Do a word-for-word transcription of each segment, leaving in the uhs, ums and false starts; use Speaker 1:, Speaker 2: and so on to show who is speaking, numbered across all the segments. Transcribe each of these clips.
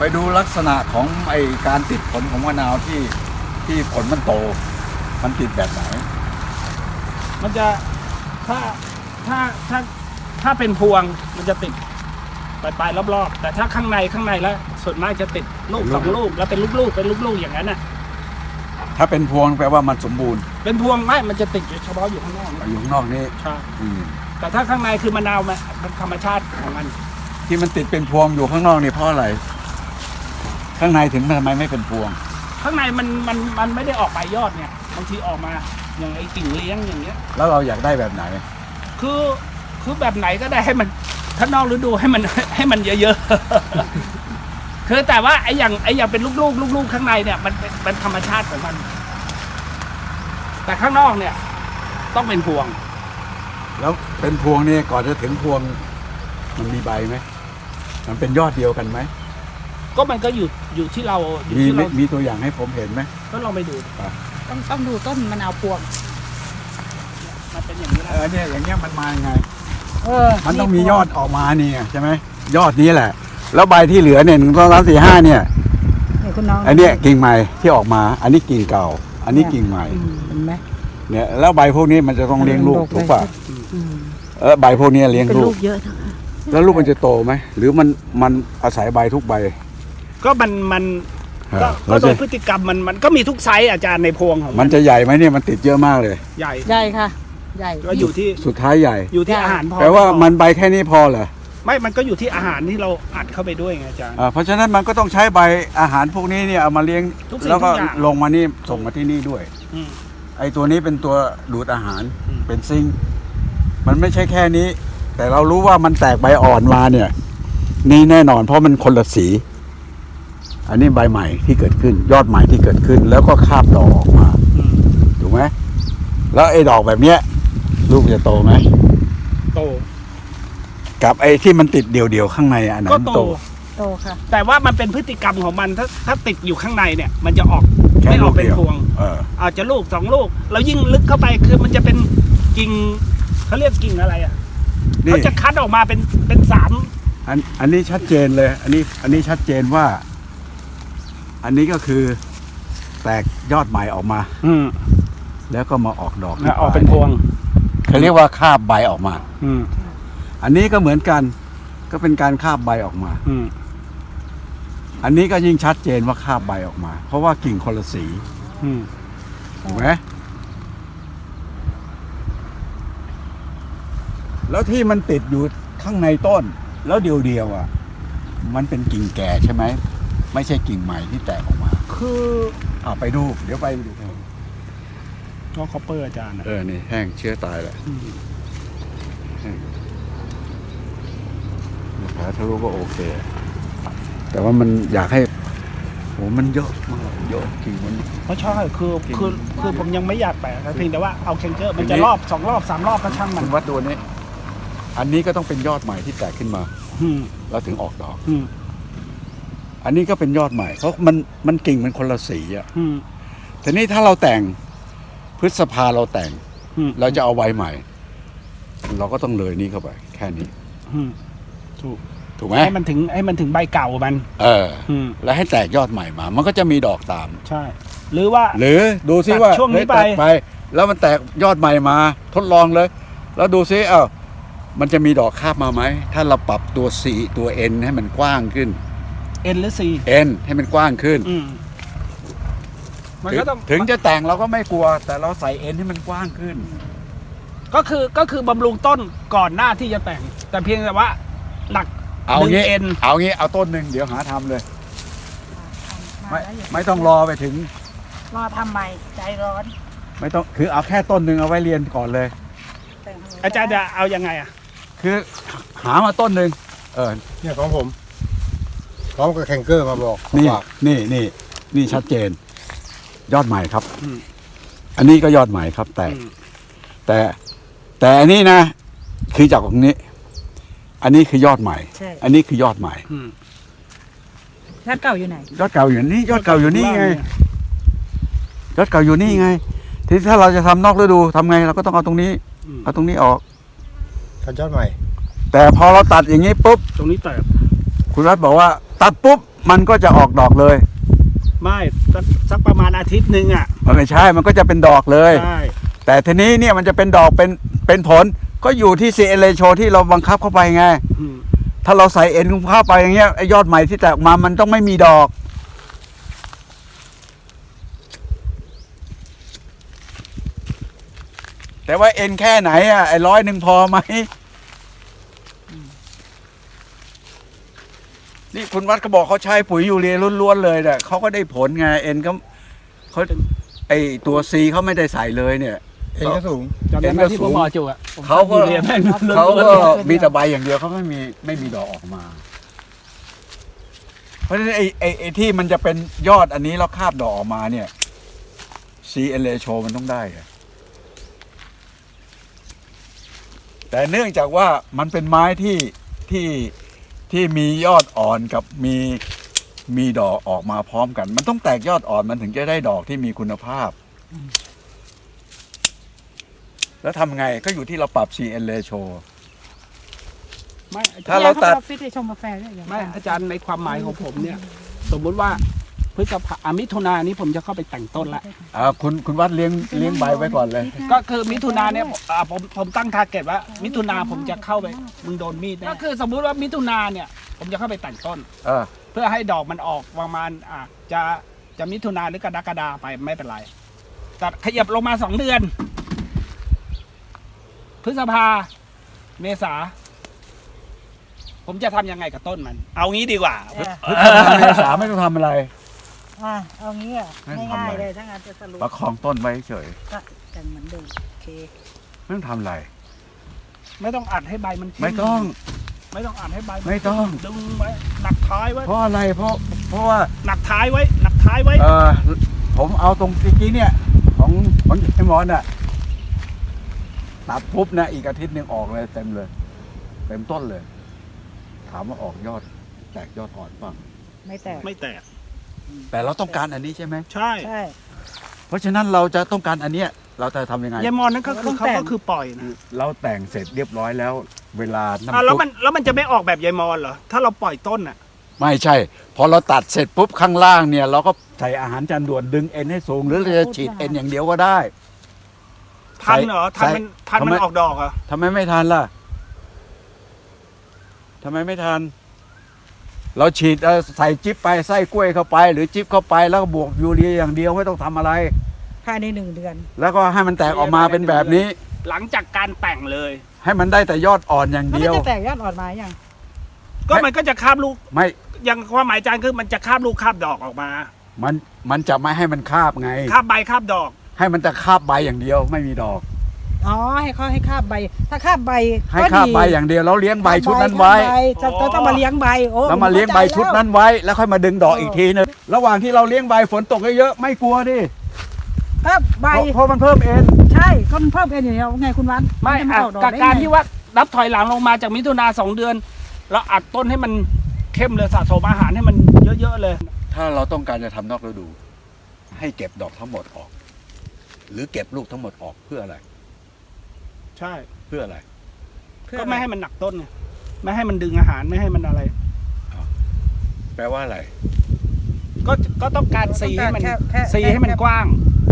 Speaker 1: ไปดูลักษณะของไอการติดผลของมะนาวที่ที่ผลมันโตมันติดแบบไหน
Speaker 2: มันจะถ้าถ้าถ้าถ้าเป็นพวงมันจะติดปลายปลายรอบๆแต่ถ้าข้างในข้างในแล้วส่วนมากจะติดลูกสองลูกแล้วเป็นลูกๆเป็นลูกๆอย่างนั้นน่ะ
Speaker 1: ถ้าเป็นพวงแปลว่ามันสมบูรณ์
Speaker 2: เป็นพวงไม่มันจะติดเฉพาะอยู่ข้างนอก
Speaker 1: อยู่ข้างนอกนี่
Speaker 2: ใช่แต่ถ้าข้างในคือมะนาวมันเป็นธรรมชาติของมัน
Speaker 1: ที่มันติดเป็นพวงอยู่ข้างนอกนี่เพราะอะไรข้างในถึงทำไมไม่เป็นพวง
Speaker 2: ข้างในมันมันมันไม่ได้ออกใบยอดเนี่ยบางทีออกมาอย่างไอ้กิ่งเลี้ยงอย่างเงี้ย
Speaker 1: แล้วเราอยากได้แบบไหน
Speaker 2: คือคือแบบไหนก็ได้ให้มันถ้านอกฤดูให้มันให้มันเยอะๆคือแต่ว่าไอ้อย่างไอ้อย่างเป็นลูกๆลูกๆข้างในเนี่ยมันเป็นเป็นธรรมชาติของมันแต่ข้างนอกเนี่ยต้องเป็นพวง
Speaker 1: แล้วเป็นพวงนี่ก่อนจะถึงพวงมันมีใบไหมมันเป็นยอดเดียวกันไหม
Speaker 2: ก็มันก็อยู่อยู่ที่เราอยู่
Speaker 1: มี
Speaker 2: ที่เรา
Speaker 1: มีตัวอย่างให้ผมเห็นไหม
Speaker 2: ก็ลองไปดู
Speaker 3: ต้องต้องดูต้นมะนาวพวง
Speaker 2: มันเป็นอย่างนี้แหละ
Speaker 1: เออเนี่ยอย่างเงี้ยมันมายังไง
Speaker 3: เออ
Speaker 1: มันต้องมียอดออกมานี่ใช่ไหมยอดนี้แหละแล้วใบที่เหลือเนี่ยหนึ่งสองสามสี่ห้าเนี่ยอันนี้กิ่งใหม่ที่ออกมาอันนี้กิ่งเก่าอันนี้กิ่งใหม่
Speaker 3: เห็นไหม
Speaker 1: เนี่ยแล้วใบพวกนี้มันจะต้องเลี้ยงลูกถูกป่ะเออใบพวกนี้เลี้ยงลูก
Speaker 3: เยอะ
Speaker 1: แล้วลูกมันจะโตไหมหรือมันมันอาศัยใบทุกใบ
Speaker 2: ก็มันมันก็โดยพฤติกรรมมันมันก็มีทุกไซส์อาจารย์ในพวงของ
Speaker 1: มันจะใหญ่ไหมเนี่ยมันติดเยอะมากเลย
Speaker 2: ใหญ่
Speaker 3: ใหญ่ค่ะใหญ่
Speaker 2: ก็อยู่ที่
Speaker 1: สุดท้ายใหญ่
Speaker 2: อยู่ที่อาหารพอ
Speaker 1: แปลว่ามันใบแค่นี้พอเหรอ
Speaker 2: ไม่มันก็อยู่ที่อาหารที่เราอัดเข้าไปด้วยไงอาจารย์
Speaker 1: เพราะฉะนั้นมันก็ต้องใช้ใบอาหารพวกนี้เนี่ยเอามาเลี้ยงแล้วก็ลงมานี่ส่งมาที่นี่ด้วยไอตัวนี้เป็นตัวดูดอาหารเป็นซิงค์มันไม่ใช่แค่นี้แต่เรารู้ว่ามันแตกใบอ่อนมาเนี่ยนี่แน่นอนเพราะมันคนละสีอันนี้ใบใหม่ที่เกิดขึ้นยอดใหม่ที่เกิดขึ้นแล้วก็คาบดอกออกมาถูกไหมแล้วไอ้ดอกแบบเนี้ยลูกจะโตไหม
Speaker 2: โต
Speaker 1: กับไอ้ที่มันติดเดี่ยวๆข้างในอันนั้น
Speaker 2: โต
Speaker 3: โตค่ะ
Speaker 2: แต่ว่ามันเป็นพฤติกรรมของมันถ้าถ้าติดอยู่ข้างในเนี่ยมันจะออกไม่ออกเป็นพวงอาจจะลูกสองลูกแล้วยิ่งลึกเข้าไปคือมันจะเป็นกิ่งเขาเรียกกิ่งอะไรอ่ะเขาจะคัดออกมาเป็นเป็นสาม
Speaker 1: อันอันนี้ชัดเจนเลยอันนี้อันนี้ชัดเจนว่าอันนี้ก็คือแตกยอดใหม่ออกมา
Speaker 2: อืม
Speaker 1: แล้วก็มาออกดอก
Speaker 2: ออกเป็นพวง
Speaker 1: เขาเรียกว่าคาบใบออกมา
Speaker 2: อืม
Speaker 1: อันนี้ก็เหมือนกันก็เป็นการคาบใบออกมา
Speaker 2: อืม
Speaker 1: อันนี้ก็ยิ่งชัดเจนว่าคาบใบออกมาเพราะว่ากิ่งคนละสี
Speaker 2: อืม
Speaker 1: ถูกไหมแล้วที่มันติดอยู่ข้างในต้นแล้วเดียวๆอ่ะมันเป็นกิ่งแก่ใช่ไหมไม่ใช่กิ่งใหม่ที่แตกออกมา
Speaker 2: คือ
Speaker 1: อ่าไปดูเดี๋ยวไปดู
Speaker 2: ก็คอปเปอร์อาจารย์
Speaker 1: เออนี่แห้งเชื้อตายแหละแผลทะลุก็โอเคแต่ว่ามันอยากให้โหมันเยอะมากเยอะกิ่งมัน
Speaker 2: เพราะใช่คือคือคือผมยังไม่อยากแปะเพียงแต่ว่าเอาแคนเจอร์มันจะรอบสองรอบสามรอบก็ช่างมัน
Speaker 1: วัดตัวนี้อันนี้ก็ต้องเป็นยอดใหม่ที่แตกขึ้นมาแล้วถึงออกดอกอันนี้ก็เป็นยอดใหม่เพราะมันมันกิ่งมันคนละสีอ่ะทีนี้ถ้าเราแต่งพฤษภาเราแต่งเราจะเอาใบใหม่เราก็ต้องเลยนี้เข้าไปแค่นี้
Speaker 2: ถูก
Speaker 1: ถูกไหม
Speaker 2: ให้มันถึงให้มันถึงใบเก่ามัน
Speaker 1: เออแล้วให้แตกยอดใหม่มามันก็จะมีดอกตาม
Speaker 2: ใช่หรือว่า
Speaker 1: หรือดูซิว่า
Speaker 2: ช่วงนี้ไป
Speaker 1: ไปแล้วมันแตกยอดใหม่มาทดลองเลยแล้วดูซิเอ้ามันจะมีดอกคาบมาไหมถ้าเราปรับตัว C ตัว N ให้มันกว้างขึ้น
Speaker 2: N หรือ C
Speaker 1: N ให้มันกว้างขึ้น
Speaker 2: มันก็ต้อง
Speaker 1: ถึงจะแต่งเราก็ไม่กลัวแต่เราใส่ N ให้มันกว้างขึ้น
Speaker 2: ก็คือก็คือบำรุงต้นก่อนหน้าที่จะแต่งแต่เพียงแต่ว่าหลัก
Speaker 1: เอางี้เอางี้เอาต้นหนึ่งเดี๋ยวหาทำเลยไม่ไม่ต้องรอไปถึง
Speaker 3: รอทำใหม่ใจร้อน
Speaker 1: ไม่ต้องคือเอาแค่ต้นหนึ่งเอาไว้เรียนก่อนเลย
Speaker 2: อาจารย์จะเอายังไงอ่ะ
Speaker 1: คือหามาต้นหนึ่งเออ
Speaker 4: เนี่ยของผมพร้อมกับแข่งเกอร์มาบอก
Speaker 1: นี่นี่นี่นี่ชัดเจนยอดใหม่ครับอันนี้ก็ยอดใหม่ครับแต่แต่แต่อันนี้นะคือจากตรงนี้อันนี้คือยอดใหม่อันนี้คือยอดใหม่
Speaker 3: ยอดเก่าอยู่ไหน
Speaker 1: ยอดเก่าอยู่นี่ยอดเก่าอยู่นี่ไงยอดเก่าอยู่นี่ไงทีถ้าเราจะทำนอกฤดูทำไงเราก็ต้องเอาตรงนี้เอาตรงนี้ออก
Speaker 4: ตัดยอดใหม่
Speaker 1: แต่พอเราตัดอย่างนี้ปุ๊บ
Speaker 2: ตรงนี้แตก
Speaker 1: คุณรัฐบอกว่าตัดปุ๊บมันก็จะออกดอกเลย
Speaker 2: ไม่สักสักประมาณอาทิตย์หนึ่งอ่ะ
Speaker 1: มันไม่ใช่ มันก็จะเป็นดอกเลย
Speaker 2: ใช่
Speaker 1: แต่ทีนี้เนี่ยมันจะเป็นดอกเป็นเป็นผลก็อยู่ที่ ซี เอล เอ โชที่เราบังคับเข้าไปไง
Speaker 2: อืม
Speaker 1: ถ้าเราใส่เอ็นเข้าไปอย่างเงี้ยไอ้ยอดใหม่ที่แตกออกมามันต้องไม่มีดอก แต่ว่าเอ็นแค่ไหนอ่ะไอ้ร้อยหนึ่งพอไหมนี่คุณวัดเขาบอกเขาใช้ปุ๋ยยูเรียล้วนๆเลยเนี่ยเขาก็ได้ผลไงเอ็นเขาเขาไอตัวซีเขาไม่ได้ใส่เลยเนี่ย
Speaker 4: เอ็นก็สูง
Speaker 2: จำได้ไหมที่ผมบอกจูอ่ะผม
Speaker 1: เขาก็
Speaker 2: เรียนแม่ง
Speaker 1: เขาก็มีแต่ใบอย่างเดียวเขาไม่มีไม่มีดอกออกมา เพราะฉะนั้นไอ้ไอ้ไอ้ที่มันจะเป็นยอดอันนี้แล้วคาบดอกออกมาเนี่ย ซี เอล เอ โชมันต้องได้อะแต่เนื่องจากว่ามันเป็นไม้ที่ที่ที่มียอดอ่อนกับมีมีดอกออกมาพร้อมกัน มันต้องแตกยอดอ่อนมันถึงจะได้ดอกที่มีคุณภาพ แล้วทำไงก็อยู่ที่เราปรับ ซี เอล เอ โช
Speaker 2: ไม่อาจา
Speaker 1: ถ้าร เรา
Speaker 2: ย์
Speaker 1: ตัด
Speaker 3: ฟิตชงกาแฟด้วยอย่าง
Speaker 2: ไม่อาจารย์ในความหมายของผมเนี่ย สมมุติว่าพฤษภาอ่ะมิถุนายนนี้ผมจะเข้าไปแต่งต้นละ
Speaker 1: อ่าคุณคุณวัดเลี้ยงเลี้ยงใบไว้ก่อนเลย
Speaker 2: ก็คือมิถุนาเนี่ยอ่าผมผมตั้งทาร์เก็ตว่า มิถุนาผมจะเข้าไปมึงโดนมีดแน่ก็คือสมมุติว่ามิถุนาเนี่ย ผมจะเข้าไปแต่งต้น
Speaker 1: เออ
Speaker 2: เพื่อให้ดอกมันออกประมาณอ่ะจะจะมิถุนาหรือกรกฎาไปไม่เป็นไรแต่ขยับลงมาสองเดือน พฤษภาเมษาผมจะทำยังไงกับต้นมัน เอางี้ดีกว่า
Speaker 3: เออ
Speaker 1: พฤษภาเมษาไม่ต้องทำอะไร
Speaker 3: อ่ะเอางี้อ่ะ
Speaker 1: ไม่ทำ
Speaker 3: ง่าย
Speaker 1: อะไร
Speaker 3: ๆเลยถ้างานจะสรุป
Speaker 1: ประคองต้นไว้เฉย
Speaker 3: ก็แต่งเหมือนเดิมโอเค
Speaker 1: ไม่ต้องทำอะไร
Speaker 2: ไม่ต้องอัดให้ใบมันขึ้น
Speaker 1: ไม่ต้อง
Speaker 2: ไม่ต้องอัดให้ใบน
Speaker 1: ไม่ต้อง
Speaker 2: ดึงไว้หนักท้ายไว้
Speaker 1: เพราะอะไรเพราะเพราะว่า
Speaker 2: หนักท้ายไว้หนักท้ายไว้
Speaker 1: เออผมเอาตรงเมื่อกี้เนี่ย ของของไอ้หมอนน่ะตัดปุ๊บนะอีกอาทิตย์หนึ่งออกเลยเต็มเลย เต็มต้นเลย ถามว่าออกยอด แตกยอดอ่อนบ้าง
Speaker 3: ไม่แตก
Speaker 2: ไม่แตก
Speaker 1: แต่เราต้องการอันนี้ใช่ไหม
Speaker 2: ใช่
Speaker 3: ใช่
Speaker 1: เพราะฉะนั้นเราจะต้องการอันเนี้ยเราจะทำยังไง
Speaker 2: ยายมอนนั่นก็คือ
Speaker 3: ต้อง
Speaker 2: เขา
Speaker 3: แต่ง
Speaker 2: ก็คือปล่อยนะ
Speaker 1: เราแต่งเสร็จเรียบร้อยแล้ว เวลาน้ำ
Speaker 2: อ่ะแล้ว
Speaker 1: ซุป
Speaker 2: มันแล้วมันจะไม่ออกแบบยายมอนเหรอถ้าเราปล่อยต้นอ่ะ
Speaker 1: ไม่ใช่ พอเราตัดเสร็จปุ๊บข้างล่างเนี่ย เราก็ใส่อาหารจานด่วนดึงเอ็นให้สูง หรือเราจะฉีดเอ็นอย่างเดียวก็ได้
Speaker 2: ทันเหรอทันมัน
Speaker 1: ใส่
Speaker 2: ทันมัน
Speaker 1: ทำไม
Speaker 2: ออกดอกเหรอ
Speaker 1: ทำไมไม่ทันล่ะทำไมไม่ทัน เราฉีดเอ่อใส่จิ๊บไปไส้กล้วยเข้าไป หรือจิ๊บเข้าไปแล้วก็บวกยูเรียอย่างเดียวไม่ต้องทำอะไร
Speaker 3: ภายในหนึ่งเดือน
Speaker 1: แล้วก็ให้มันแตกออกมาเป็นแบบนี้
Speaker 2: หลังจากการแต่งเลย
Speaker 1: ให้มันได้แต่ยอดอ่อนอย่าง
Speaker 3: มัน
Speaker 1: เดียว
Speaker 3: จะแตกยอดอ่อนมาอย่าง
Speaker 2: ก็มันก็จะคาบลูก
Speaker 1: ไม่
Speaker 2: อย่างความหมายอาจารย์คือมันจะคาบลูกคาบดอกออกมา
Speaker 1: มันมันจะไม่ให้มันคาบไง
Speaker 2: คาบใบคาบดอก
Speaker 1: ให้มันจะคาบใบอย่างเดียว ไม่มีดอก
Speaker 3: อ๋อให้เขาให้คาบใบ ถ้าคาบใบ
Speaker 1: ให้
Speaker 3: ก็
Speaker 1: คาบ
Speaker 3: ดี
Speaker 1: ใบอย่างเดียวแล้วเลี้ยงใบชุดนั้นไว้
Speaker 3: คาบใบจะจะต้องมาเลี้ยงใบโอ้
Speaker 1: แล้วมาเลี้ยงใบชุดนั้นไว้ แล้วค่อยมาดึงดอกอีกทีนึงระหว่างที่เราเลี้ยงใบฝนตกเยอะๆไม่กลัวดิ
Speaker 3: คาบใบ
Speaker 1: เพราะเพราะมันเพิ่มเอ็น
Speaker 3: ใช่ก็มันเพิ่มเอ็นอย่างเดียวไงคุณวัน
Speaker 2: ไม่
Speaker 3: นจะ
Speaker 2: อ่ะ
Speaker 3: ออกดอก
Speaker 2: กับ
Speaker 3: ได้
Speaker 2: การ
Speaker 3: ไง
Speaker 2: ที่ว่านับถอยหลังลงมาจากมิถุนาสองเดือนแล้วอัดต้นให้มันเข้มเลยสะสมอาหารให้มันเยอะๆเลย
Speaker 1: ถ้าเราต้องการจะทำนอกฤดู ให้เก็บดอกทั้งหมดออก หรือเก็บลูกทั้งหมดออกเพื่ออะไร
Speaker 2: ใช่
Speaker 1: เพื่ออะไร
Speaker 2: ก็ไม่ให้มันหนักต้นไงไม่ให้มันดึงอาหารไม่ให้มันอะไร
Speaker 1: แปลว่าอะไร
Speaker 2: ก็ก็ต้องการสีให้มัน
Speaker 3: แค่แค่
Speaker 2: สีให้มัน
Speaker 3: แค่
Speaker 2: กว้าง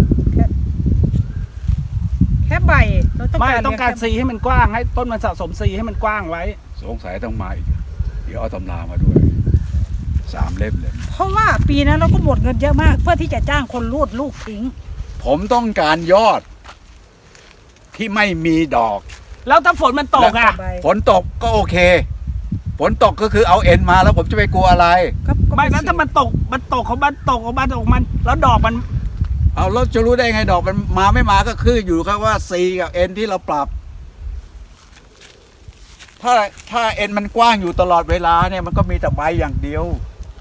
Speaker 3: แค่ใบเราต้อง
Speaker 2: ไม่
Speaker 3: การ
Speaker 2: ต้องการ
Speaker 3: เลี้ยง
Speaker 2: สีให้มันกว้างให้ต้นมันสะสมสีให้มันกว้างไว้
Speaker 1: สงสัยต้องมาอีก เดี๋ยวเอาตำรามาด้วย สามเล่มเลย
Speaker 3: เพราะว่าปีนั้นเราก็หมดเงินเยอะมาก เพื่อที่จะจ้างคนรูดลูกทิ้ง
Speaker 1: ผมต้องการยอด ที่ไม่มีดอก
Speaker 2: แล้วถ้าฝนมันตกอ่ะ
Speaker 3: ใบ
Speaker 1: ฝนตกก็โอเค ฝนตกก็คือเอาเอ็นมาแล้วผมจะไปกลัวอะไร
Speaker 3: ก็ก็
Speaker 2: ไม่แล้วถ้ามันตกมันตกของมันตกของมันตกของมัน แล้วดอกมัน
Speaker 1: เอาแล้วจะรู้ได้ไงดอกมันมาไม่มาก็คืออยู่ครับว่า C กับ N ที่เราปรับ ถ้าถ้า N มันกว้างอยู่ตลอดเวลาเนี่ยมันก็มีแต่ใบอย่างเดียว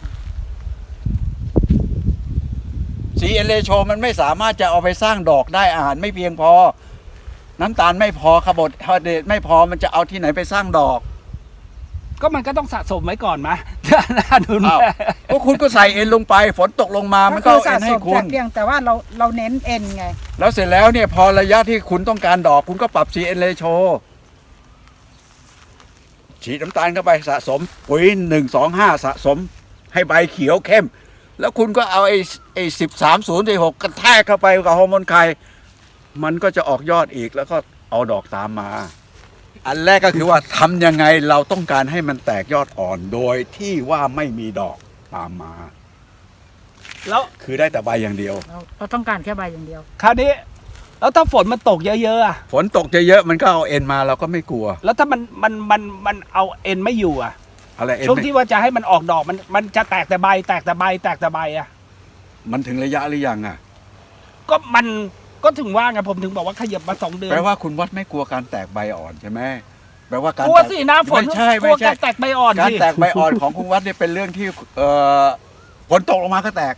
Speaker 1: C N ratio มันไม่สามารถจะเอาไปสร้างดอกได้อาหารไม่เพียงพอ น้ำตาลไม่พอคาร์โบไฮเดรตไม่พอมันจะเอาที่ไหนไปสร้างดอก
Speaker 2: ก็มันก็ต้องสะสมไว้ก่อนมะ น่าดู
Speaker 1: อ้าว ก็คุณก็ใส่ N ลงไป ฝนตกลงมามันก็
Speaker 3: คื
Speaker 1: เอา
Speaker 3: สะ
Speaker 1: N
Speaker 3: ส
Speaker 1: ให้
Speaker 3: ม
Speaker 1: คุ
Speaker 3: แต่
Speaker 1: ณ
Speaker 3: เพียงแต่ว่าเราเราเน้นเอ็นไง
Speaker 1: แล้วเสร็จแล้วเนี่ยพอระยะที่คุณต้องการดอกคุณก็ปรับ C N ratio ฉีดน้ำตาลเข้าไปสะสมปุ๋ยหนึ่งสองห้าสะสมให้ใบเขียวเข้ม แล้วคุณก็เอาไอ้ไอ้สิบสามศูนย์หกกระแทกเข้าไปกับฮอร์โมนไข่มันก็จะออกยอดอีกแล้วก็เอาดอกตามมา อันแรกก็คือว่าทำยังไงเราต้องการให้มันแตกยอดอ่อนโดยที่ว่าไม่มีดอกตามมา
Speaker 2: แล้ว
Speaker 1: คือได้แต่ใบอย่างเดียว
Speaker 3: เราเราต้องการแค่ใบอย่างเดียว
Speaker 2: คราวนี้แล้วถ้าฝนมันตกเยอะๆอะ
Speaker 1: ฝนตกเยอะๆมันก็เอาเอ็นมาเราก็ไม่กลัว
Speaker 2: แล้วถ้ามันมันมันมันเอาเอ็นไม่อยู่อะ
Speaker 1: อะไรเอ็น
Speaker 2: ช่วง
Speaker 1: ไม่
Speaker 2: ที่ว่าจะให้มันออกดอกมันมันจะแตกแต่ใบแตกแต่ใบแตกแต่ใบอะ
Speaker 1: มันถึงระยะหรือยังอ่ะ
Speaker 2: ก็มันก็ถึงว่าไงผมถึงบอกว่าขยับมาสองเดือน
Speaker 1: แปลว่าคุณวัดไม่กลัวการแตกใบอ่อนใช่ไหมแปลว่าการ
Speaker 2: กลัว
Speaker 1: แตก
Speaker 2: สิหน้าฝน
Speaker 1: ไม่ใช่
Speaker 2: กลั
Speaker 1: ไม่
Speaker 2: ว
Speaker 1: ใช่
Speaker 2: การแตกใบอ่อน
Speaker 1: การ
Speaker 2: สิ
Speaker 1: แตกใบอ่อนของคุณวัดเนี่ยเป็นเรื่องที่เอ่อฝนตกลงมาก็แตก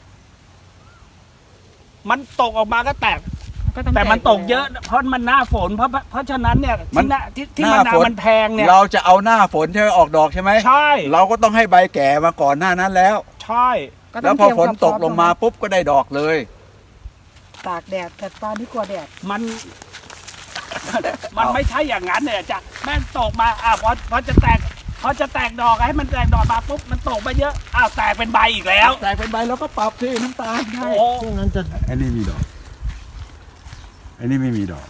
Speaker 2: มันตกออกมาก็แตก
Speaker 3: ก็ต้อง
Speaker 2: แต่มัน
Speaker 3: ก
Speaker 2: ตกเยอะเพราะมันหน้าฝนเพราะเพราะฉะนั้นเนี่ย
Speaker 1: มั
Speaker 2: ที่
Speaker 1: น
Speaker 2: หน้าที่ที่
Speaker 1: ห
Speaker 2: มะ
Speaker 1: น้า
Speaker 2: นา
Speaker 1: ฝ
Speaker 2: วน มันแพงเนี่ย
Speaker 1: เราจะเอาหน้าฝนใช่ไหมออกดอกใช่ไหม
Speaker 2: ใช่
Speaker 1: เราก็ต้องให้ใบแก่มาก่อนหน้านั้นแล้ว
Speaker 2: ใช่
Speaker 3: ก็ต้
Speaker 1: แล้
Speaker 3: อ
Speaker 1: ว
Speaker 3: ง
Speaker 1: พอ
Speaker 3: เตรีย
Speaker 1: ฝนตก
Speaker 3: ความพ
Speaker 1: ล
Speaker 3: ร้อม
Speaker 1: งมาปุ๊บก็ได้ดอกเลย
Speaker 3: ตากแดดแต่ตอนนี้กลัวแดด
Speaker 2: มัน มันไม่ใช่อย่างนั้นเนี่ยจะแม่งตกมาอ่ะพอพอจะแตกพอจะแตกดอกให้มันแตกดอกมาปุ๊บมันตกไปเยอะอ้าวแตกเป็นใบอีกแล้ว
Speaker 1: แตกเป็นใบเราก็ปรับที่น้ำตาล
Speaker 2: โอ้
Speaker 1: ให้
Speaker 2: โห
Speaker 4: ช่วงนั้นจะ
Speaker 1: อันนี้มีดอกอันนี้ไม่มีดอก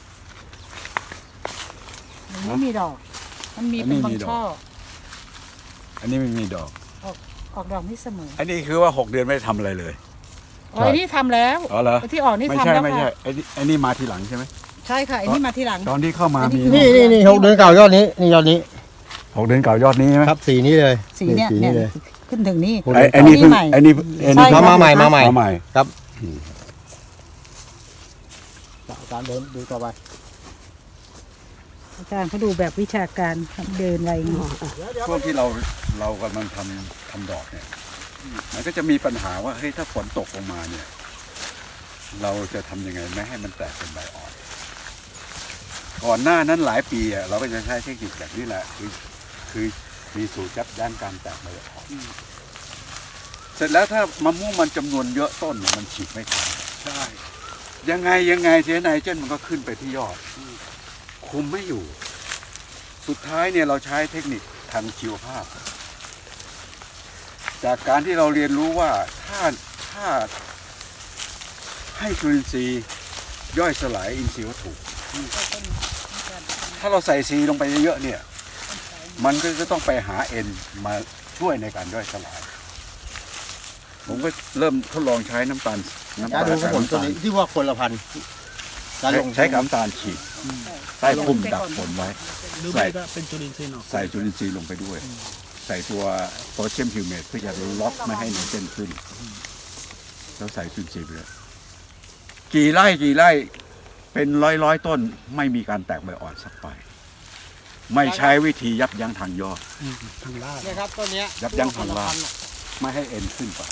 Speaker 3: มันไม่มีดอก มันมี
Speaker 1: อันนี้
Speaker 3: เป็นบา
Speaker 1: มี
Speaker 3: ง
Speaker 1: ดอก
Speaker 3: ช่อ
Speaker 1: อันนี้ไม่มีดอก
Speaker 3: ออกดอกไม่เสมอ
Speaker 1: อันนี้คือว่าหกเดือนไม่ได้ทำอะไรเลย
Speaker 3: อ๋อไอ้นี่ทำแล้ว
Speaker 1: อ๋อเหรอ
Speaker 3: ไอ้ที่ออกนี่
Speaker 1: ไม่
Speaker 3: ทำ
Speaker 1: ใช่
Speaker 3: แล้ว
Speaker 1: ไม่ใช่
Speaker 3: ค่ะ
Speaker 1: ไอ้นี่ไอ้นี่มาทีหลังใช่ไหม
Speaker 3: ใช่ค่ะไอ้นี่มาทีหลัง
Speaker 1: ตอนที่เข้ามามี
Speaker 4: นี่นี่นี่หกเดือนเก่ายอดนี้นี่ยอดนี้
Speaker 1: หกเดือนเก่ายอดนี้ใช่ไหม
Speaker 4: ครับสีนี้เลย
Speaker 3: สีเนี่ย
Speaker 4: สี
Speaker 3: เนี่
Speaker 4: นี้
Speaker 3: ย
Speaker 4: เลย
Speaker 3: ขึ้นถึงนี่
Speaker 4: หก
Speaker 1: ไอ้
Speaker 4: เดือน
Speaker 1: ไอ้นี่เพิ่ง
Speaker 3: ใหม่
Speaker 1: ไอ้นี่ไอ้นี่
Speaker 3: ใช่
Speaker 4: มามาใหม่มาใหม่
Speaker 1: มาใหม่
Speaker 4: ครับการเดินดูต่อไป
Speaker 3: อาจารย์เขาดูแบบวิชาการเดินอะไรอย่างเงี้ย
Speaker 1: ช่วงที่เราเรากำลังทำทำดอกเนี่ย มันก็จะมีปัญหาว่าเฮ้ยถ้าฝนตกลงมาเนี่ย เราจะทำยังไงไม่ให้มันแตกเป็นใบอ่อน ก่อนหน้านั้นหลายปีอะเราก็จะใช้เทคนิคแบบนี้แหละ คือคือมีสูตรยับยั้งการแตกใบอ่อน เสร็จแล้วถ้ามะม่วงมันจำนวนเยอะต้นเนี่ยมันฉีดไม่ทัน
Speaker 2: ใช่
Speaker 1: ยังไงยังไงเทไนเจนมันก็ขึ้นไปที่ยอด คุมไม่อยู่ สุดท้ายเนี่ยเราใช้เทคนิคทางชีวภาพ จากการที่เราเรียนรู้ว่าถ้าถ้าให้จุลินทรีย์ย่อยสลายอินทรีย์วัตถุ ถ้าเราใส่ซีลงไปเยอะๆเนี่ย มันก็จะต้องไปหาเอ็นมาช่วยในการย่อยสลาย ผมก็เริ่มทดลองใช้น้ำตาลน้ำ
Speaker 4: การ
Speaker 1: ตาล
Speaker 4: ดูของผมตัวนี้ที่ว่าคนละพันการลง
Speaker 1: ใช้กับน้ำตาลฉีดใต้คลุมดักฝนไว้
Speaker 2: หรือไม่ก็เป็นจุลินทรีย์เนาะ
Speaker 1: ใส่จุลินทรีย์ลงไปด้วย ใส่ตัวโพแทสเซียมฮิวเมตเพื่อจะล็อกไม่ให้ไนเตรนขึ้น แล้วใส่จุลินทรีย์ไปเลยกี่ไร่กี่ไร่เป็นร้อยร้อยต้นไม่มีการแตกใบอ่อนสักใบไม่ใช้วิธียับยั้งทางยอด
Speaker 2: ทางลาด
Speaker 4: เนี่ยครับต้นเนี้ย
Speaker 1: ยับยั้งทางรากไม่ให้เอ็นขึ้นไป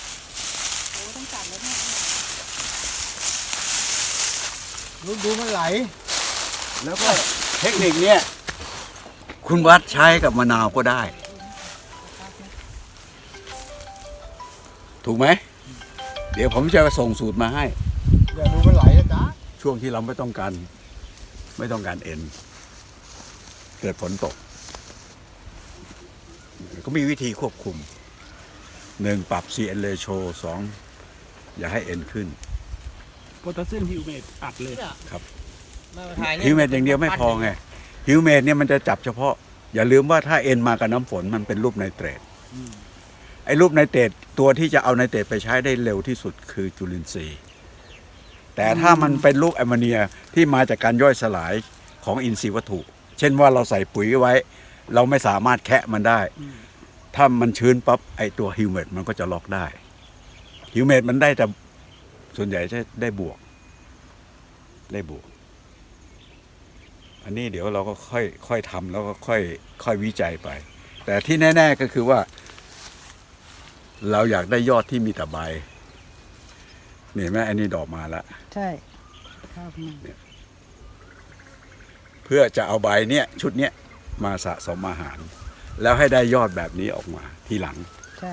Speaker 4: ดูดูมันไหล
Speaker 1: แล้วก็เทคนิคเนี้ยคุณวัดใช้กับมะนาวก็ได้ ถูกไหม เดี๋ยวผมจะส่งสูตรมาให้
Speaker 4: เดี๋ยวดูมันไหลนะจ๊ะ
Speaker 1: ช่วงที่เราไม่ต้องการ ไม่ต้องการเอ็น เกิดฝนตก ก็มีวิธีควบคุมหนึ่งปรับ ซี เอ็น ratio สองอย่าให้เอ็นขึ้น
Speaker 2: โพแทสเซียมฮิวเมตอัดเลย
Speaker 1: ฮิวเมดอย่างเดียวไม่พอไงฮิวเมดเนี่ยมันจะจับเฉพาะ อย่าลืมว่าถ้าเอ็นมากับน้ำฝนมันเป็นรูปไนเตรตไอ้รูปไนเตรตตัวที่จะเอาไนเตรตไปใช้ได้เร็วที่สุดคือจุลินทรีย์ แต่ถ้ามันเป็นรูปแอมโมเนียที่มาจากการย่อยสลายของอินทรีย์วัตถุ เช่นว่าเราใส่ปุ๋ยไว้ เราไม่สามารถแคะมันได้ ถ้ามันชื้นปั๊บไอ้ตัวฮิวเมดมันก็จะล็อกได้ฮิวเมดมันได้แต่ส่วนใหญ่จะได้บวกได้บวก อันนี้เดี๋ยวเราก็ค่อยค่อยทำแล้วก็ค่อยค่อยวิจัยไป แต่ที่แน่ๆก็คือว่า เราอยากได้ยอดที่มีแต่ใบนี่เห็นไหมอันนี้ดอกมาแล้ว
Speaker 3: ใช่ข้าวมัน
Speaker 1: เพื่อจะเอาใบเนี้ยชุดเนี้ยมาสะสมอาหาร แล้วให้ได้ยอดแบบนี้ออกมาทีหลัง
Speaker 3: ใช่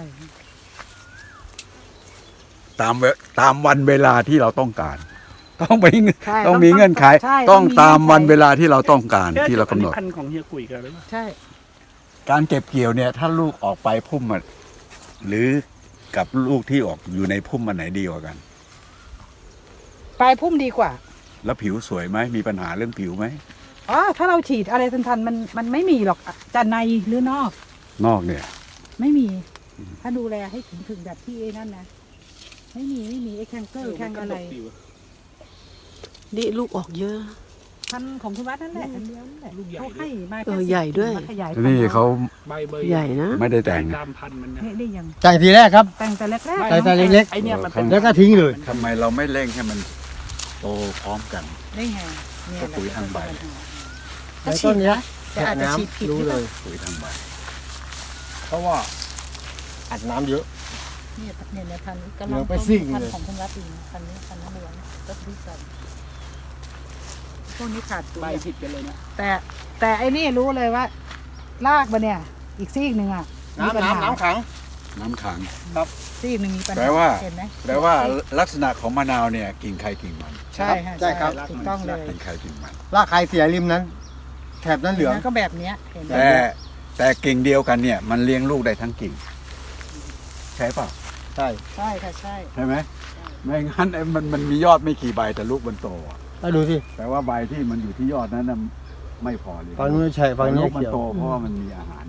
Speaker 1: ตามเวตามวันเวลาที่เราต้องการ ต้องไป
Speaker 3: ใช่
Speaker 1: ต้องมีเงื่อนไข
Speaker 3: ใช่
Speaker 1: ต้องตามวันเว
Speaker 3: ลา
Speaker 1: ลาที่เราต้องการที่เรากำหนด
Speaker 2: พันธุ์ของเฮียกุยกันหรือเปล่า
Speaker 3: ใช่
Speaker 1: การเก็บเกี่ยวเนี่ยถ้าลูกออกไปพุ่มมันหรือกับลูกที่ออกอยู่ในพุ่มมันไหนดีกว่ากัน
Speaker 3: ปลายพุ่มดีกว่า
Speaker 1: แล้วผิวสวยไหมมีปัญหาเรื่องผิวไหม
Speaker 3: อ๋อถ้าเราฉีดอะไรทันๆมันมันไม่มีหรอกจะในหรือนอก
Speaker 1: นอกเนี่ย
Speaker 3: ไม่มี ถ้าดูแลให้ถึงถึงแบบที่ไอ้นั่นนะไม่มีไม่มีไอ้แคนเกอร์แคนอะไร
Speaker 5: นี่ลูกออกเยอะ
Speaker 3: พันธุ์ของคุณวัดนั่นแหละอันเดียวนั่นแหละ
Speaker 2: ลูกใหญ่
Speaker 3: เขาให้มา
Speaker 5: เออใหญ่ด้วย
Speaker 3: มาขยายพันธุ์
Speaker 1: นี่เขา
Speaker 2: ใบเบอร์
Speaker 5: ใหญ่นะ
Speaker 1: ไม่ได้แต่ง
Speaker 2: ตามพันธุ์มันนะ
Speaker 3: นี่นี่ยัง
Speaker 4: จ่ายทีแรกครับ
Speaker 3: แต่งแต่แรก
Speaker 4: แต่แต่เล็กๆ
Speaker 2: ไอเนี่ยมันเป็น
Speaker 4: แล้วก็ทิ้งเลย
Speaker 1: ทำไมเราไม่เร่งให้มันโตพร้อมกัน
Speaker 3: ๆได้ไงเนี่ย
Speaker 1: ก็ปุ๋ยทางใบ
Speaker 4: ในต้นเนี้ย
Speaker 3: แต่อาจจะฉีดผิด
Speaker 4: รู้
Speaker 3: หรือ
Speaker 4: เล
Speaker 3: เปล่าย
Speaker 1: ปุ๋ยทางใบ
Speaker 4: เพราะว่าอัดน้ำเยอะ
Speaker 3: เนี่ยเนี่ยเนี่ยพันธุ์กำ
Speaker 4: เหลื
Speaker 3: ลั
Speaker 4: อง ไปซิ่ง
Speaker 3: พัน
Speaker 4: เลย
Speaker 3: ธุ์ของคุณวัดเองพันธุ์นี้พันธุ์น้ำเหลืองก็ที่กันพวกนี้ขาดปุ๋
Speaker 2: ใบ
Speaker 3: ย
Speaker 2: ผิดกันเลยนะ
Speaker 3: แต่แต่ไอ้นี่รู้เลยว่า รากมันเนี่ย อีกซีกหนึ่งอ่ะมีปัญ
Speaker 4: น้ำ
Speaker 3: หา
Speaker 4: น้ำน้ำขัง
Speaker 1: น้ำขัง
Speaker 3: ซีกหนึ่งมีปัญหา
Speaker 1: แปลว่า
Speaker 3: เห็นไหม
Speaker 1: แปลว่าลักษณะของมะนาวเนี่ยกิ่งใครกิ่งมัน
Speaker 3: ใช่ค่ะ
Speaker 4: ใช่ครับ
Speaker 3: ถูกต้องเลย
Speaker 1: กิ่งใครกิ่งมัน
Speaker 4: รากใครเสียริมนั้น แถบนั้นเหลือง
Speaker 3: แล้วก็แบบเนี้ยเห็นไหม
Speaker 1: แต่แต่กิ่งเดียวกันเนี่ย มันเลี้ยงลูกได้ทั้งกิ่ง ใช่เปล่า
Speaker 4: ใช่
Speaker 3: ใช่ค่ะใช่
Speaker 1: ใช่ไหมไม่งั้นไอ้มันมันมียอดไม่กี่ใบแต่ลูกมันโตอะ
Speaker 4: แล้วดูสิ
Speaker 1: แปลว่าใบที่มันอยู่ที่ยอดนั้นน่ะไม่พอเลย
Speaker 4: ฝั่งนู้นใช่ฝั่งนี้
Speaker 1: ลูกมัน
Speaker 4: เขียว
Speaker 1: โตเพราะว่ามันมีอาหาร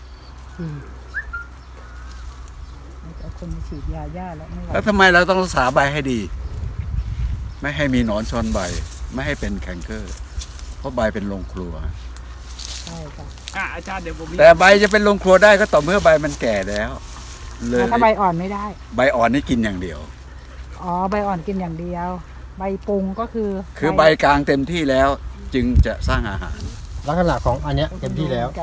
Speaker 3: เอาคนมาฉีดยาหญ้าแล้วไม่ไหว
Speaker 1: แล้วทำไมเราต้องรักษาใบให้ดี ไม่ให้มีหนอนชนใบ ไม่ให้เป็นแคนเกอร์ เพราะใบเป็นโรงครัว
Speaker 3: ใช่ค่ะ
Speaker 2: อ่ะอาจารย์เดี๋ยวผมมี
Speaker 1: แต่ใบจะเป็นโรงครัวได้ก็ต่อเมื่อใบมันแก่แล้ว เลย
Speaker 3: ถ้าใบอ่อนไม่ได้
Speaker 1: ใบอ่อนนี่กินอย่างเดียว
Speaker 3: อ๋อใบอ่อนกินอย่างเดียว ใบปรุงก็คือ
Speaker 1: คือใบกลางเต็มที่แล้ว จึงจะสร้างอาหาร
Speaker 4: ลักษณะของอันเนี้ยเต็มที่แล้ว
Speaker 3: กัน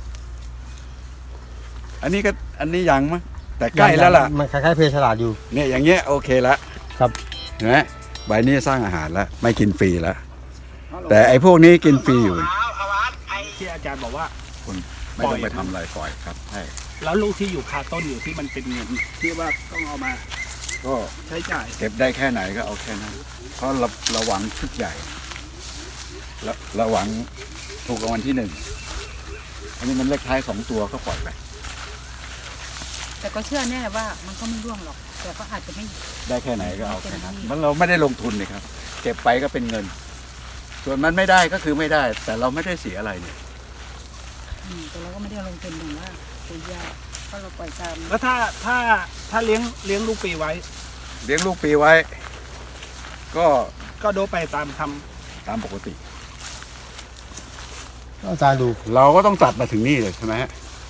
Speaker 1: อันนี้ก็อันนี้ยังมั้งแต่ใกล้แล้วล่ะ
Speaker 4: มันคล้ายๆเพฉลาดอยู่
Speaker 1: เนี่ยอย่างเงี้ยโอเคละ
Speaker 4: ครับ
Speaker 1: เห็นไหมใบนี้สร้างอาหารแล้วไม่กินฟรีแล้ว แต่ไอ้พวกนี้กินฟรีอยู่
Speaker 2: ที่อาจารย์บอกว่า
Speaker 1: คุณไม่ต้องไปทำอะไรปล่อยครับใช่
Speaker 2: แล้วลูกที่อยู่คาต้นอยู่ที่มันเป็นเงินที่ว่าต้องเอามา
Speaker 1: ก็
Speaker 2: ใช้จ่าย
Speaker 1: เก็บได้แค่ไหนก็เอาแค่นั้น เพราะเราเราหวังชุดใหญ่เราเราหวังถูกรางวัลที่หนึ่งอันนี้มันเลขท้ายสองตัวก็ปล่อยไป
Speaker 3: แต่ก็เชื่อแน่ว่ามันก็ไม่ร่วงหรอก แต่ก็อาจจะไม่
Speaker 1: ได้แค่ไหนก็เอาแค่นั้นมันเราไม่ได้ลงทุนเลยครับ เก็บไปก็เป็นเงิน ส่วนมันไม่ได้ก็คือไม่ได้ แต่เราไม่ได้เสียอะไรเนี่ย
Speaker 3: อืมแต่เราก็ไม่ได้ลงทุนอย่างว่าปุ๋ยยาเพราะเราปล่อยตาม
Speaker 2: แล้วถ้าถ้าถ้าเลี้ยงเลี้ยงลูกปีไว้
Speaker 1: เลี้ยงลูกปีไว้ ก็
Speaker 2: ก็โดไปตามทำ
Speaker 1: ตามปกติ
Speaker 4: อาจารย์ดู
Speaker 1: เราก็ต้องตัดมาถึงนี่เลยใช่ไหมฮะ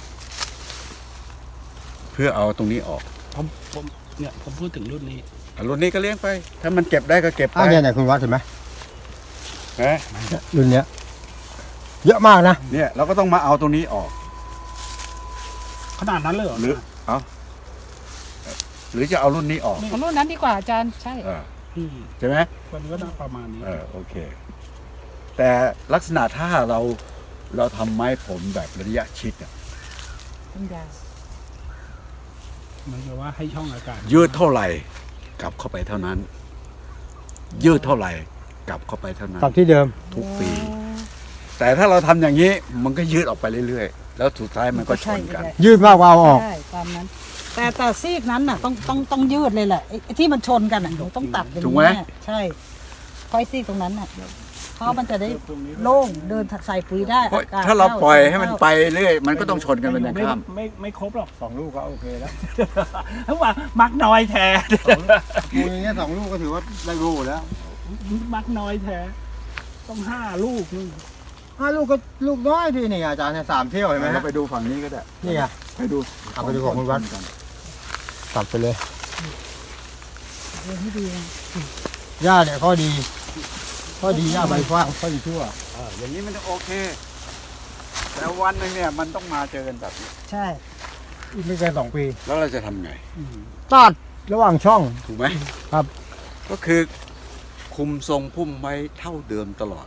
Speaker 1: เพื่อเอาตรงนี้ออก
Speaker 2: ผมผมเนี่ยผมพูดถึงรุ่นนี้
Speaker 1: อ่ะรุ่นนี้ก็เลี้ยงไป ถ้ามันเก็บได้ก็เก็บไป
Speaker 4: อ้าวเนี่ยไหนคุณวัดเห็นไหม
Speaker 1: นะ
Speaker 4: รุ่นเนี้ย เยอะมากนะ
Speaker 1: เนี่ยเราก็ต้องมาเอาตรงนี้ออก
Speaker 2: ขนาดนั้นเลยเหรอ
Speaker 1: หรือเอาหรือจะเอารุ่นนี้ออก
Speaker 3: ของรุ่นนั้นดีกว่าอาจารย์ใช่
Speaker 1: เออ
Speaker 2: อืม
Speaker 1: ใช่ไหม
Speaker 2: มันก็น่าประมาณนี้
Speaker 1: เออโอเค แต่ลักษณะถ้าเราเราทำไม้ผมแบบระยะชิดอะ
Speaker 3: ต้นยา
Speaker 2: มันจะว่าให้ช่องอากาศ
Speaker 1: ยืดเท่าไหร่กลับเข้าไปเท่านั้น ยืดเท่าไหร่กลับเข้าไปเท่านั้น
Speaker 4: กลับที่เดิม
Speaker 1: ทุกปี แต่ถ้าเราทำอย่างนี้มันก็ยืดออกไปเรื่อยๆ แล้วสุดท้ายมันก็ชนกัน
Speaker 4: ยืดมากกว่าเอาออก
Speaker 3: ใช่ตามนั้น แต่แต่ซีกนั้นน่ะต้องต้องต้องยืดเลยแหละไอ้ไอ้ที่มันชนกันอ่ะหนูต้องตัดอย่าง
Speaker 1: ถูกไหม
Speaker 3: นี้ใช่ค่อยซีกตรงนั้นน่ะเพราะมันจะได้โล่งเดินใส่ปุ๋ยได้
Speaker 1: เพราะ
Speaker 3: อากาศ
Speaker 1: ถ้าเรา
Speaker 3: ข้
Speaker 1: ปล่อยให้มันไปเรื่อยมันก็ต้องชนกันเป็นอย่าง
Speaker 2: ไม่
Speaker 1: ข้าม
Speaker 2: ไม่ไม่ครบหรอก
Speaker 4: สองลูกก็โอเคแล้ว
Speaker 2: เพราะว่ามักน้อยแท้
Speaker 4: ปูอย่างเงี้ยสองลูกก็ถือว่าได้รูแล้ว
Speaker 2: มักน้อยแท้ ต้องห้าลูกนู่น
Speaker 4: ห้าลูกก็ลูกน้อยดีนี่อาจารย์เนี่ยสามเที่ยวเห็นไหม
Speaker 1: เรา
Speaker 4: ฮะ
Speaker 1: ไปดูฝั่งนี้ก็ได้
Speaker 4: นี่ไง
Speaker 1: ไปดู
Speaker 4: เอาไปดูของคุณวัด ตัดไปเลย
Speaker 3: เดินให้ดีนะ
Speaker 4: หญ้าเนี่ยข้อดี ข้อดีหญ้าใบฟ้างข้อดีทั่ว
Speaker 1: เอออย่างนี้มันโอเค แต่วันหนึงเนี่ยมันต้องมาเจอกันแบบนี้
Speaker 3: ใช่
Speaker 4: อีกไม่เกินสองปี
Speaker 1: แล้วเราจะทำไง
Speaker 4: ตัดระหว่างช่อง
Speaker 1: ถูกไหม
Speaker 4: ครับ
Speaker 1: ก็คือคุมทรงพุ่มไว้เท่าเดิมตลอด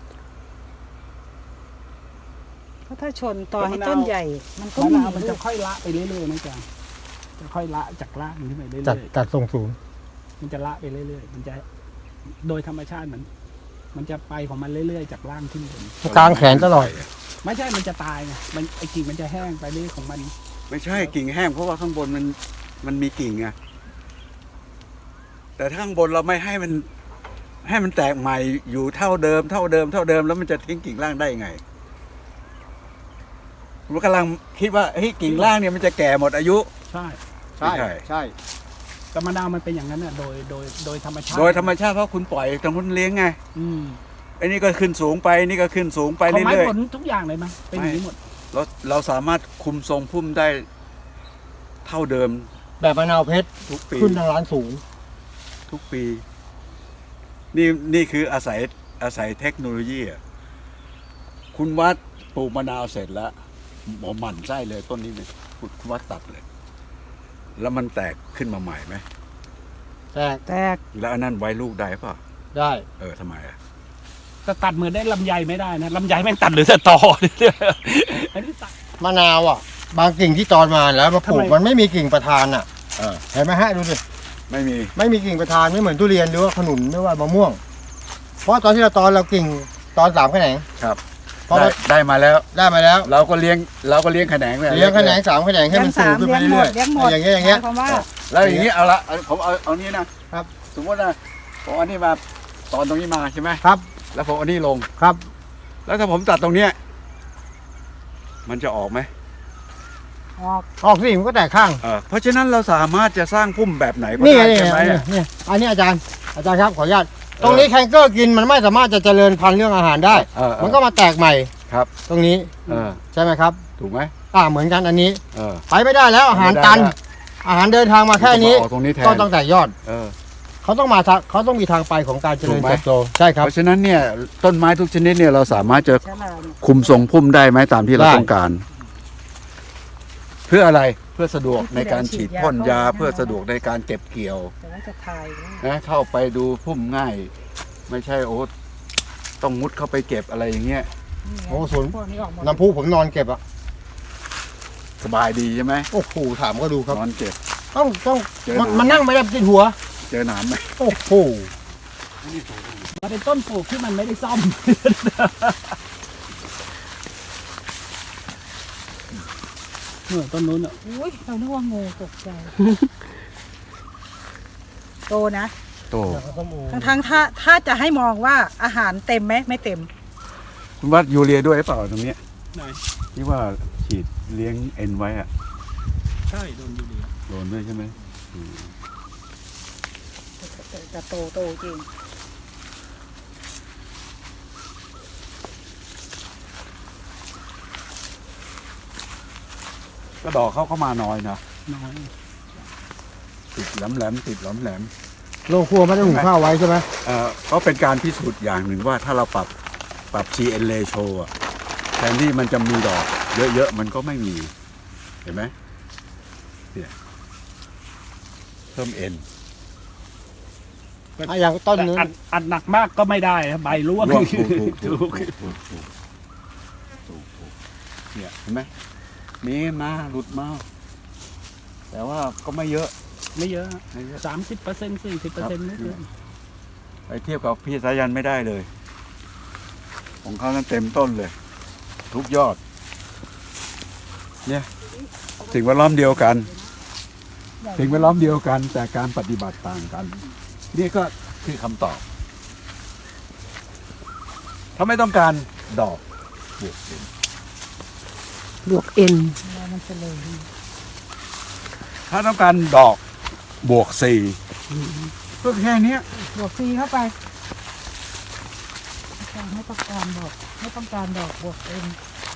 Speaker 3: เพราะถ้าชนต่อให้ต้นใหญ่ มันก็
Speaker 2: มะ
Speaker 3: มี
Speaker 2: นาวมันจะค่อยละไปเรื่อยๆนะจ๊ะจะค่อยละจากรากมันขึ้นไปเรื่
Speaker 4: จัด
Speaker 2: อย
Speaker 4: จัดทรงสูง
Speaker 2: ๆมันจะละไปเรื่อยๆมันจะโดยธรรมชาติมัน มันจะไปของมันเรื่อยๆจากล่างขึ้นบน
Speaker 4: กลางแขนตลอด
Speaker 2: ไม่ใช่มันจะตายไงมันไอ้กิ่งมันจะแห้งไปเรื่อยของมัน
Speaker 1: ไม่ใช่กิ่งแห้งเพราะว่าข้างบนมันมันมีกิ่งไงแต่ถ้าข้างบนเราไม่ให้มันให้มันแตกใหม่อยู่เท่าเดิมเท่าเดิมเท่าเดิมแล้วมันจะทิ้งกิ่งล่างได้ไงผมกำลังคิดว่าเฮ้ยกิ่งล่างเนี่ยมันจะแก่หมดอายุ
Speaker 2: ใช่
Speaker 4: ใช่ใช่
Speaker 2: กรรมดามันเป็นอย่างนั้นน่ะโดยโดยโดยธรรมชาติ
Speaker 1: โดยธรรมชาติเพราะคุณปล่อยตรงคุณเลี้ยงไง
Speaker 2: อืม
Speaker 1: ไอ้นี่ก็ขึ้นสูงไปนี่ก็ขึ้นสูงไป
Speaker 2: ของไม้
Speaker 1: เรื่อย
Speaker 2: ผลทุกอย่างเลยมั้ยเป็นอย่างนี้หมด
Speaker 1: ๆเราเราสามารถคุมทรงพุ่มได้เท่าเดิม
Speaker 4: แบบมะนาวเพชร
Speaker 1: ทุกปี
Speaker 4: ขึ้นทางร้านสูง
Speaker 1: ทุกปี นี่นี่คืออาศัยอาศัยเทคโนโลยีอะคุณวัดปลูกมะนาวเสร็จแล้วหมอหมั่นไส้เลยต้นนี้เนี่ยคุณวัดตัดเลย แล้วมันแตกขึ้นมาใหม่ไหม
Speaker 4: แตก
Speaker 3: แตก
Speaker 1: แล้วอันนั้นไว้ลูกได้ป่ะ
Speaker 4: ได้
Speaker 1: เออทำไมอ่ะ
Speaker 2: แต่ตัดเหมือนได้ลำไยไม่ได้นะลำไยแม่งตัดหรือแต่ตอเนี่ยอันนี้ตัด
Speaker 4: มะนาวอ่ะ บางกิ่งที่ตอนมาแล้วมาปลูก
Speaker 2: ทำไม
Speaker 4: มันไม่มีกิ่งประธานอ่ะ
Speaker 1: เออ
Speaker 4: เห็นไหมฮะดูดิ
Speaker 1: ไม่มี
Speaker 4: ไม่มีกิ่งประธานไม่เหมือนทุเรียนหรือว่าขนุนหรือว่ามะม่วง เพราะตอนที่เราตอนเรากิ่งตอนสามแขนง
Speaker 1: ครับ
Speaker 4: เพราะ
Speaker 1: ได้
Speaker 4: ว่า
Speaker 1: ได้มาแล้ว
Speaker 4: ได้มาแล้ว
Speaker 1: เราก็เลี้ยงเราก็เลี้ยงแขนง
Speaker 4: เลี้ยงแขนงสามแขนงให้มันสูงขึ้นไป
Speaker 3: เลี้ยงหม
Speaker 4: เรื่อ
Speaker 3: ด
Speaker 4: ย
Speaker 3: เลี้ยงหมด
Speaker 4: ๆอย่างเงี้ยอย่างเงี้ย
Speaker 3: หมความว่า
Speaker 1: แล้วอย่างนี้เอาละเอาผมเอาเอานี้นะครับ สมมตินะผมเอานี่มาตอนตรงนี้มาใช่ไหม
Speaker 4: ครับ
Speaker 1: แล้วผมเอานี่ลง
Speaker 4: ครับ
Speaker 1: แล้วถ้าผมตัดตรงเนี้ยมันจะออกไหม
Speaker 3: ออก
Speaker 4: ออกสิมันก็แตกข้าง
Speaker 1: เออเพราะฉะนั้นเราสามารถจะสร้างพุ่มแบบไหนก็
Speaker 4: นี่
Speaker 1: ได้
Speaker 4: ไงนี่
Speaker 1: ใช่ไหม
Speaker 4: ไงนี่นี่อันนี้อาจารย์อาจารย์ครับขออนุญาตตรงนี้แคนเกอร์กินมันไม่สามารถจะเจริญพันธุ์เรื่องอาหารได้
Speaker 1: เออเออ
Speaker 4: มันก็มาแตกใหม่
Speaker 1: ครับ
Speaker 4: ตรงนี้
Speaker 1: เออ
Speaker 4: ใช่ไหมครับ
Speaker 1: ถูกไหม
Speaker 4: อ่าเหมือนกันอันนี้
Speaker 1: เออ
Speaker 4: ไปไม่ได้แล้วอาหารตัน
Speaker 1: ไม่ได้
Speaker 4: อาหารเดินทางมาแค่นี้
Speaker 1: ออกตรงนี้แทน
Speaker 4: ก็ต้องแต่ยอด
Speaker 1: เออ
Speaker 4: เขาต้องมาทางเขาต้องมีทางไปของการเจริญ
Speaker 1: ถูกไหม
Speaker 4: เติบโตใช่ครับ
Speaker 1: เพราะฉะนั้นเนี่ยต้นไม้ทุกชนิดเนี่ยเราสามารถจะ
Speaker 3: ฉลาดเนี่ย
Speaker 1: คุมทรงพุ่มได้ไหมตามที่เรา
Speaker 4: ได้
Speaker 1: ต้องการ เพื่ออะไรเพื่อสะดวกในการฉีดพ่นยาเพื่อสะดวกในการเก็บเกี่ยว
Speaker 3: แต่ว่าจะถ่ายนะ
Speaker 1: นะเข้าไปดูพุ่มง่าย ไม่ใช่โอ้ต้องมุดเข้าไปเก็บอะไรอย่างเงี้ย
Speaker 3: นี่ไง
Speaker 4: โอ้สวน
Speaker 3: พวกนี้ออกหมด
Speaker 4: น้ำพุผมนอนเก็บอะ
Speaker 1: สบายดีใช่ไหม
Speaker 4: โอ้โหถามก็ดูครับ
Speaker 1: นอนเก็บ
Speaker 4: ต้องต้อง
Speaker 1: เจอ
Speaker 4: มัน
Speaker 1: หนาม
Speaker 4: มันนั่งไม่ได้ติดหัว
Speaker 1: เจอหนามไหม
Speaker 4: โอ้โห
Speaker 2: มันเป็นต้นปลูกที่มันไม่ได้ซ่อม เออต้นนู้นอ่ะ
Speaker 3: อุ้ยเรานึกว่างูตกใจ โตนะ
Speaker 1: โต
Speaker 3: ทั้งทั้งๆถ้าถ้าจะให้มองว่าอาหารเต็มไหมไม่เต็ม
Speaker 1: คุณวัดยูเรียด้วยหรือเปล่าตรงเนี้ย
Speaker 2: ไหน
Speaker 1: ที่ว่าฉีดเลี้ยงเอ็นไว้อะ
Speaker 2: ใช่โดนยูเรีย
Speaker 1: โดนด้วยใช่ไหม
Speaker 3: แต่จะโตโตจริง
Speaker 1: ก็ดอกเขาเข้ามาน้อยนะ
Speaker 2: น้อย
Speaker 1: ติดแหลมแหลมๆติดแหลมแหลม
Speaker 4: โรงครัวไม่ได้หุงข้าวไว้ใช่ไหม
Speaker 1: ๆเอ่อก็เป็นการพิสูจน์อย่างหนึ่งว่าถ้าเราปรับปรับ ซี เอ็น ratio อะแทนที่มันจะมีดอก เยอะๆมันก็ไม่มี เห็นไหมเนี่ยเพิ่มเอ็น
Speaker 4: อ่ะอย่างต้น
Speaker 2: แต่
Speaker 4: นึง
Speaker 2: อัดอัดหนักมากก็ไม่ได้นะใบร่วง
Speaker 1: ร่วงถูกถูกถูกถูกถูกถูกถูกถูกเนี่ยเห็นไหมมีมาหลุดมา แต่ว่าก็ไม่เยอะ
Speaker 2: ไม่เยอะ
Speaker 1: ไม่เยอะ
Speaker 2: สามสิบเปอร์เซ็นต์สี่สิบเปอร์เซ็นต์ไม่เกิน
Speaker 1: ไปเทียบกับพี่สายันไม่ได้เลย ของเขานั้นเต็มต้นเลย ทุกยอด เนี่ยสิ่งแวดล้อมเดียวกัน สิ่งแวดล้อมเดียวกัน แต่การปฏิบัติต่างกัน นี่ก็คือคำตอบ ถ้าไม่ต้องการดอกบวกเอ็น
Speaker 5: บวกเอ็น
Speaker 3: แล้วมันจะเลย
Speaker 1: ถ้าต้องการดอกบวกสี่ก็แค่เนี้ย
Speaker 3: บวกซีเข้าไปไม่ต้องการดอกไม่ต้องการดอกบวกเอ็น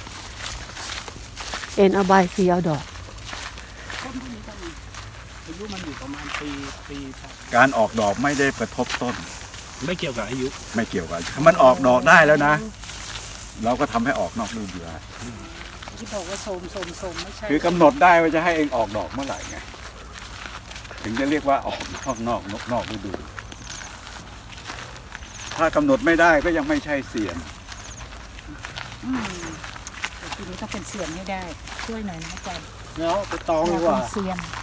Speaker 5: เอ็นเอาใบสีเอาดอก
Speaker 2: ต้นพวกนี้ก็มีอายุมันอยู่ประมาณปีปีครับ
Speaker 1: การออกดอกไม่ได้กระทบต้น
Speaker 2: ไม่เกี่ยวกับอายุ
Speaker 1: ไม่เกี่ยวกันถ้ามันออกดอกได้แล้วนะ เราก็ทำให้ออกนอกฤดูได้
Speaker 3: ที่บอกว่าโสมโสมโสมไม่ใช่
Speaker 1: คือกำหนดได้ว่าจะให้เองออกดอกเมื่อไหร่ไง ถึงจะเรียกว่าออกนอกนอกนอกนอกฤดู ถ้ากำหนดไม่ได้ก็ยังไม่ใช่เสียน
Speaker 3: อืมแต่ทีนี้ต้องเป็นเสียนให้ได้ ช่วยหน่อยนะอาจารย์
Speaker 4: แล้วไปตอง
Speaker 3: อ
Speaker 4: ดี
Speaker 3: ยาก
Speaker 4: กว่า
Speaker 3: เป็นเสียน